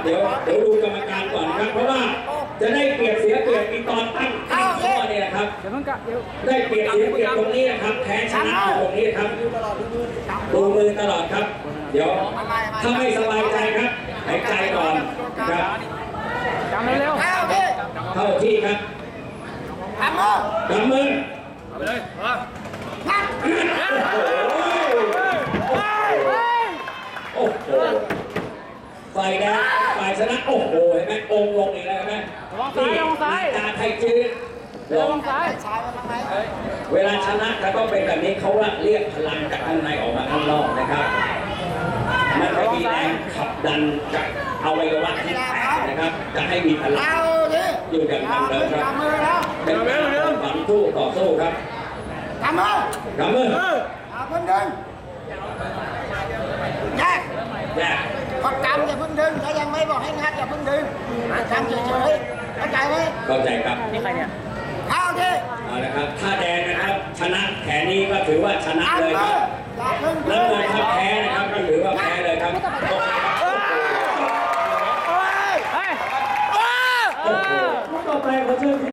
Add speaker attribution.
Speaker 1: ดี๋ยวดูกรรมการก่อนครับเพราะว่าจะได้เปรียบเสียเปรียบอีกตอนตั้งข้อเนี่ยนะครับได้เปรียบเสียเปรียบตรงนี้นะครับแพ้ชนะตรงนี้ครับดูมือตลอดครับเดี๋ยวถ้าไม่สบายใจครับหายใจก่อนครับ
Speaker 2: จำเร็ว
Speaker 1: เข้าที่ครับ
Speaker 3: กำมือ
Speaker 2: เอาไปเลย
Speaker 1: โอ้โหฝ่ายแดงฝ่ายชนะโอ้โหเห็นไหมองค์ลงอีกแล้วเห็นไหมตาไทยจืดลงซ้ายเวลาชนะก็ต้องเป็นแบบนี้เขาว่าเรียกพลังจากข้างในออกมาข้างนอกนะครับมันจะมีแรงขับดันจากอวัยวะที่แตกนะครับจะให้มีพลังอยู่อย่างนั้นเลยครับเป็นการฝันสู้ต่อสู้ครับ
Speaker 3: กำมือเพิ่งดึงแยกพอกำอย่าเพิ่งดึงถ้ายังไม่บอกให้งัดอย่าเพิ่งดึงกำเฉยๆเข้าใจไหม
Speaker 1: เข้าใจครับ
Speaker 2: นี่ใครเนี่ย
Speaker 3: เข้าที่
Speaker 1: เอาละครับถ้าแดงนะครับชนะแขนนี้ก็ถือว่าชนะเลยครับแล้วเลยถ้าแพ้นะครับก็ถือว่าแพ้เลยครับโอ้โหต่อไปเขาเชิญ